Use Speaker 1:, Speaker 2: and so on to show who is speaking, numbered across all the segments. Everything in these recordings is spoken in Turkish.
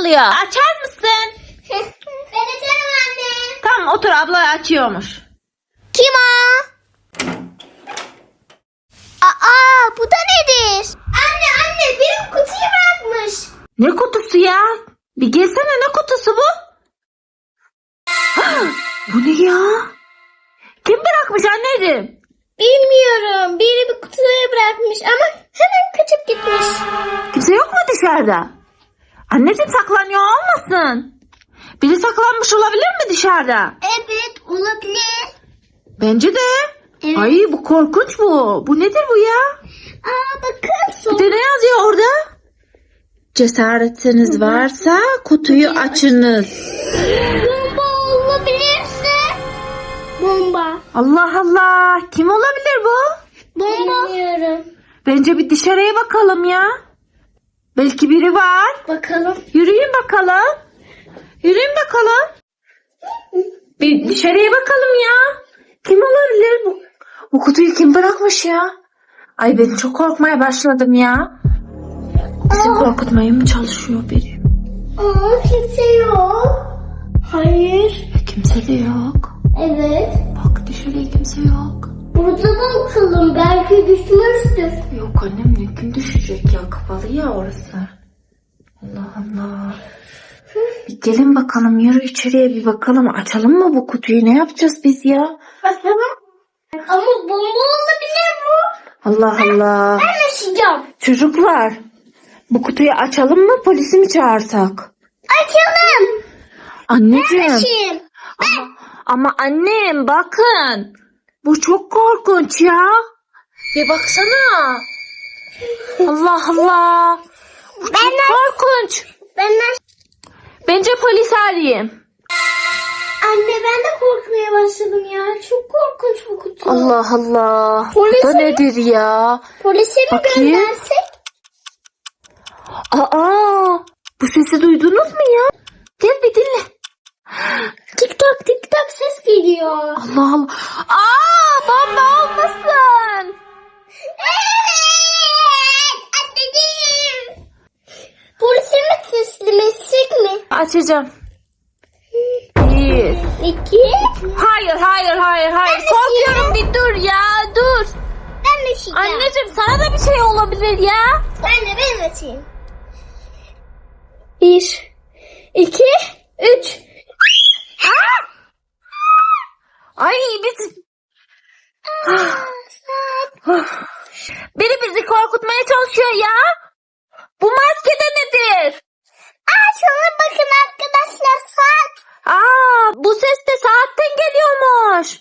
Speaker 1: çalıyor. Açar mısın?
Speaker 2: Ben açarım anne.
Speaker 1: Tamam otur, abla açıyormuş.
Speaker 2: Kim o? Aa, bu da nedir? Anne benim kutuyu bırakmış.
Speaker 1: Ne kutusu ya? Bir gelsene, ne kutusu bu? Bu ne ya? Kim bırakmış anneciğim?
Speaker 2: Bilmiyorum. Biri bir kutuya bırakmış ama hemen kaçıp gitmiş.
Speaker 1: Kimse yok mu dışarıda? Anneciğim saklanıyor olmasın? Biri saklanmış olabilir mi dışarıda?
Speaker 2: Evet, olabilir.
Speaker 1: Bence de.
Speaker 2: Evet.
Speaker 1: Ay bu korkunç bu. Bu nedir bu ya?
Speaker 2: Bakın.
Speaker 1: Bir de ne yazıyor orada? Cesaretiniz varsa kutuyu açınız.
Speaker 2: Bomba olabilirse. Bomba.
Speaker 1: Allah Allah. Kim olabilir bu?
Speaker 2: Bomba. Bilmiyorum.
Speaker 1: Bence bir dışarıya bakalım ya. Belki biri var.
Speaker 2: Bakalım.
Speaker 1: Yürüyün bakalım. Yürüyün bakalım. Bir dışarıya bakalım ya. Kim olabilir bu? Bu kutuyu kim bırakmış ya? Ay ben çok korkmaya başladım ya. Bizi korkutmaya mı çalışıyor biri?
Speaker 2: Kimse yok. Hayır.
Speaker 1: Kimse de yok.
Speaker 2: Evet.
Speaker 1: Bak dışarıya kimse yok.
Speaker 2: Burada da bakalım. Belki düşmüştür.
Speaker 1: Yok annem, ne kim düşecek ya, kapalı ya orası. Allah Allah. Bir gelin bakalım, yürü içeriye bir bakalım. Açalım mı bu kutuyu, ne yapacağız biz ya?
Speaker 2: Bakalım. Ama bomba olabilir bu.
Speaker 1: Allah Allah.
Speaker 2: Ben açacağım.
Speaker 1: Çocuklar, bu kutuyu açalım mı, polisi mi çağırsak?
Speaker 2: Açalım.
Speaker 1: Anneciğim.
Speaker 2: Açayım.
Speaker 1: Ama annem bakın. Bu çok korkunç ya. Bir baksana. Allah Allah. Bu çok korkunç. Bence polis arayayım.
Speaker 2: Anne ben de korkmaya başladım ya. Çok korkunç bu kutu.
Speaker 1: Allah Allah.
Speaker 2: Polise
Speaker 1: Bu da
Speaker 2: mi?
Speaker 1: nedir ya?
Speaker 2: Polise mi
Speaker 1: Bakayım.
Speaker 2: göndersek?
Speaker 1: Aa, bu sesi duydunuz mu ya? Gel bir dinle.
Speaker 2: Tik tak tik tak ses geliyor.
Speaker 1: Allah Allah. Aa, bomba olmasın.
Speaker 2: Evet. Anneciğim. Polise mi teslim etsek mi?
Speaker 1: Açacağım. Bir.
Speaker 2: 2.
Speaker 1: Hayır. Korkuyorum, bir dur ya, dur.
Speaker 2: Ben açacağım.
Speaker 1: Anneciğim sana da bir şey olabilir ya.
Speaker 2: Ben açayım. 1, 2, 3.
Speaker 1: Ay biz... Biri bizi korkutmaya çalışıyor ya. Bu maske de nedir?
Speaker 2: Şuna bakın arkadaşlar, saat.
Speaker 1: Bu ses de saatten geliyormuş.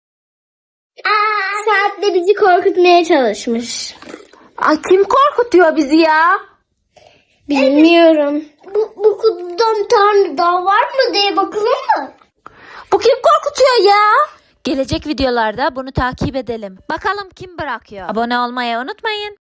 Speaker 2: Saatle bizi korkutmaya çalışmış.
Speaker 1: Ay kim korkutuyor bizi ya?
Speaker 2: Bilmiyorum. Bu kutudan bir tane daha var mı diye bakalım mı?
Speaker 1: Bu kim korkutuyor ya? Gelecek videolarda bunu takip edelim. Bakalım kim bırakıyor. Abone olmayı unutmayın.